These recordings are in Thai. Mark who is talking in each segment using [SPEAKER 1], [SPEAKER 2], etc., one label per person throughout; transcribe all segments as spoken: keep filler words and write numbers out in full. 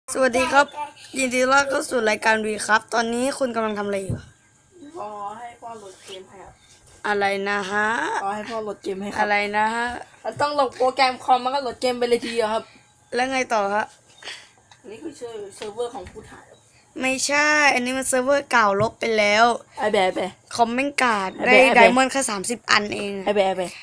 [SPEAKER 1] สวัสดีครับยินดีต้อนรับเข้าสู่รายการวีครับตอนนี้คุณกำลังทำอะไรอยู่
[SPEAKER 2] ขอให้พ่อโหลดเกมให้ครับ
[SPEAKER 1] อะไรนะฮะ
[SPEAKER 2] ขอให้พ่อโหลดเกมให้ครับ
[SPEAKER 1] อะไรนะฮะ
[SPEAKER 2] เราต้องโหลดโปรแกรมคอมมันก็โหลดเกมไปเลยทีเดียวครับ
[SPEAKER 1] แล้วไงต่อฮะ
[SPEAKER 2] อันนี้คือชื่อเซิร์ฟเวอร์ของผู้ถ่าย
[SPEAKER 1] ไม่ใช่อันนี้มันเซิร์ฟเวอร์เก่าลบไปแล้ว
[SPEAKER 2] ไอแบะแบะ
[SPEAKER 1] คอมเมนต์การ์ดได้ไดมอนด์แค่สามสิบอันเอง
[SPEAKER 2] ไอแบะแบะ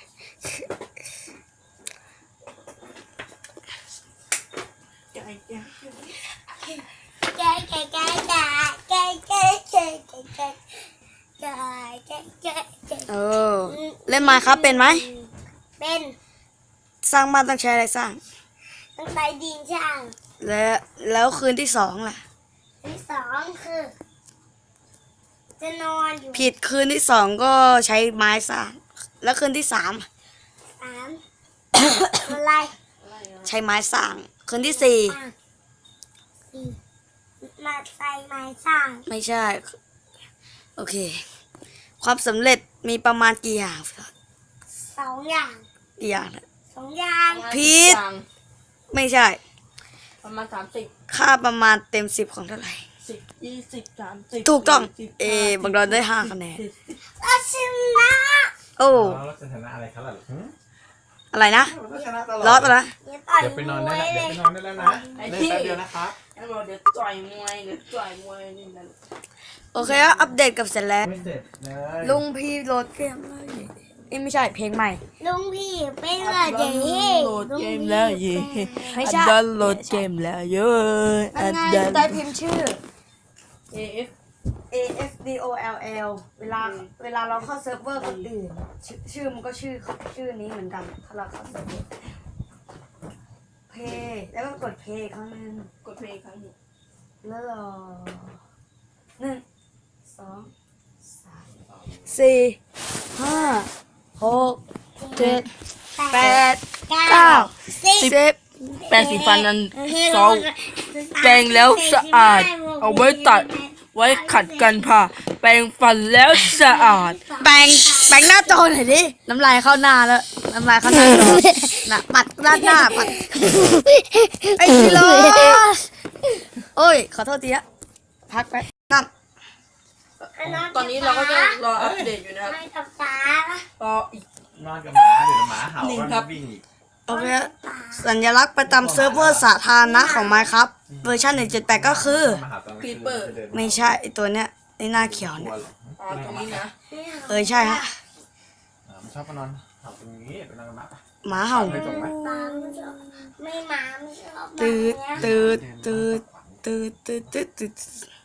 [SPEAKER 1] เออเล่นมาครับเป็นไหม
[SPEAKER 3] เป็น
[SPEAKER 1] สร้างบ้านต้องใช้อะไรสร้าง
[SPEAKER 3] ต้องใช้ดินช่าง
[SPEAKER 1] แล้วแล้วคืนที่สองล่ะ
[SPEAKER 3] ที่สองคือจะนอนอยู่
[SPEAKER 1] ผิดคืนที่สองก็ใช้ไม้สร้างแล้วคืนที่สาม
[SPEAKER 3] สามอะไร
[SPEAKER 1] ใช้ไม้สร้างคืนที่สี่
[SPEAKER 3] สี่มาใส่ไม้สร้าง
[SPEAKER 1] ไม่ใช่โอเคความสำเร็จมีประมาณกี่อย่าง
[SPEAKER 3] สองอย่าง
[SPEAKER 1] กี่อย่าง
[SPEAKER 3] สองอย่าง
[SPEAKER 1] ผิดไม่ใช่
[SPEAKER 2] ประมาณสามสิบ
[SPEAKER 1] ค่าประมาณเต็มสิบของเท่าไหร่
[SPEAKER 2] สิบยี่สิบสามสิบ
[SPEAKER 1] ถูกต้องเอบังดอนได้ห้าคะแนน
[SPEAKER 3] เราชนะ
[SPEAKER 1] โอ้
[SPEAKER 4] เราจะชนะอะไรครับล่ะ
[SPEAKER 1] อะไรนะรอดนะ
[SPEAKER 4] เดี๋ยวไปนอนได้แล้วเดี๋ยวไปนอนได้แล้วนะเล่นแป๊บเดียวนะครับ
[SPEAKER 2] เดี๋ยวจ่อยมวยเดี๋ยวจ่อยมวยนี่นั่น
[SPEAKER 1] โอเคครับอัปเดตกับเสร็จแล้ว
[SPEAKER 4] ไม่เสร็จเลย
[SPEAKER 1] ลุงพี่โหลดเกมเลยนี่ไม่ใช่เพลงใหม่
[SPEAKER 3] ลุงพี่เป็นอะไรเย่
[SPEAKER 2] โหลดเกมแล้วเย่
[SPEAKER 1] ไม่ใช่
[SPEAKER 2] ดันโหลดเกมแล้วเยอะ
[SPEAKER 1] อันไงได้พิมพ์ชื่อ
[SPEAKER 2] เอ เอฟ
[SPEAKER 1] A S D O L L เวลาเวลาเราเข้าเซิร์ฟเวอร์คนอื่นชื่อมันก็ชื่อชื่อนี้เหมือนกันถ้าเราเข้าเซิร์ฟเวอร์เพย์แล้วก็กดเพย์ครั้งนึง
[SPEAKER 2] กดเพย์ครั้งหนึ่ง
[SPEAKER 1] แล้วรอหนึ่งสองสามสี่ห้าหกเจ็ดแปดเก้าสิบ
[SPEAKER 2] แปรงสีฟันนั้นซอแปรงแล้วสะอาดเอาไว้ตัดไว้ขัดกันผ่าแปรงฟันแล้วสะอาด
[SPEAKER 1] แปรงแปรงหน้าจอหน่อยดิน้ำลายเข้าหน้าแล้วน้ำลายเข้าหน้าน่ะปัดด้านหน้าปัดไอ้กิโลโอ้ยขอโทษทีอะพักไปนั่น
[SPEAKER 2] ตอนนี้เราก็จะรออัปเดตอยู่นะครับรออีก
[SPEAKER 4] นอนกับหมาเดี๋ยวหมาเห่าก็วิ่งอีก
[SPEAKER 1] โอเคสัญลักษณ์ประจำเซิร์ฟเวอร์สาธารณะของ Minecraft เวอร์ชันหนึ่งจุดแปดก็คือ
[SPEAKER 2] ครีปเปอร์
[SPEAKER 1] ไม่ใช่ไอตัวเนี้ยไอหน้าเขียวเนี่ย
[SPEAKER 2] อ๋อตรงนี้นะ
[SPEAKER 1] เออใช่ฮะ
[SPEAKER 4] มันชอบมานอนเห่าตรงนี้ไปนอนกับหมา
[SPEAKER 1] หมาเห่า
[SPEAKER 3] ไม่หมาไม่ชอบ
[SPEAKER 1] ตืดตืดตืดตืดตืดตืดตืด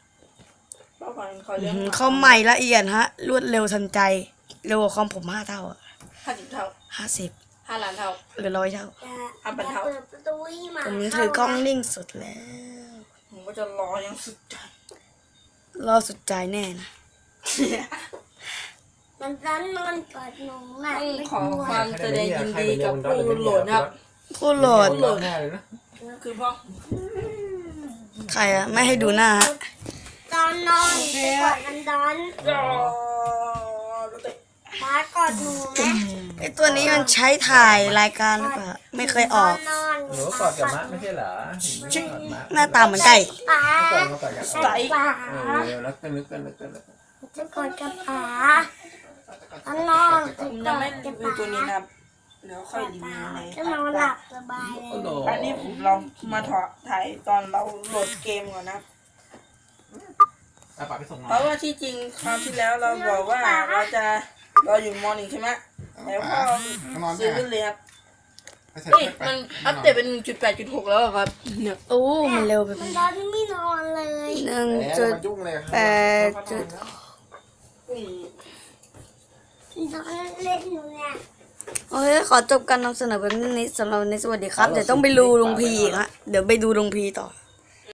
[SPEAKER 1] เขาใหม่ละเอียดฮะรวดเร็วทันใจเร็วกว่าคอมผมห้าเท่าอะ
[SPEAKER 2] ห้าสิบเท่า
[SPEAKER 1] ห้าสิบ
[SPEAKER 2] ห้าล้านเท่า
[SPEAKER 1] หรือร้อยเท่า
[SPEAKER 2] ห้าพันเท่า
[SPEAKER 1] ผมถือกล้องนิ่งสุดแล้ว
[SPEAKER 2] ผมก็จะรอยังสุดใจ
[SPEAKER 1] รอสุดใจแน่นะ
[SPEAKER 3] มันร้อนนอนกอดหนูนะ
[SPEAKER 2] ขอความแสดงยินดีกับผู้โหลดครับ
[SPEAKER 1] ผู้โหลด
[SPEAKER 2] คือพ่อ
[SPEAKER 1] ใครอะไม่ให้ดูหน้าฮะ
[SPEAKER 3] ตอนนอนกอดมันร้อนมากอดหนูไหม
[SPEAKER 1] ไอตัวนี้มันใช้ถ่ายรายการหรือเปล่าไม่เคยออก
[SPEAKER 4] หนูกอดกับมะไม่ใช่เหรอ
[SPEAKER 1] หน้าตาเหมือนไก่
[SPEAKER 3] ป๋า
[SPEAKER 2] ไก่
[SPEAKER 4] เออแล้วก็นึกกันนึกกันนึก
[SPEAKER 3] จะกอดกับป๋าตอนนอน
[SPEAKER 2] ผมยังไม่รีวิวตัวนี้นะครับเดี๋ยวค่อยรีวิวใน
[SPEAKER 3] จะนอนหลับสบายเลย
[SPEAKER 2] อันนี้ผมลองมาถอดถ่ายตอนเราโหลดเกมก่อนนะเพราะว่าที่จริงคราวที่แล้วเราบอกว่าเราจะเราอยู่มอหนึ่งใช่ไหมแล้วพอซื้อขึ้นเลยครับเฮ้ยมันอัปเดตเป็น หนึ่งจุดแปดจุดหก แล้วครับ
[SPEAKER 1] เนี่ยโอ้มันเร็วไป
[SPEAKER 3] มันตอนไม่นอนเลย
[SPEAKER 1] หนึ่งจุดแปดจุด
[SPEAKER 3] นอนเล่นอยู่เนี่ย
[SPEAKER 1] โอเคขอจบการนำเสนอแบบนี้สำหรับวันนี้สวัสดีครับเดี๋ยวต้องไปดูลุงพีอีกฮะเดี๋ยวไปดูลุงพีต่อ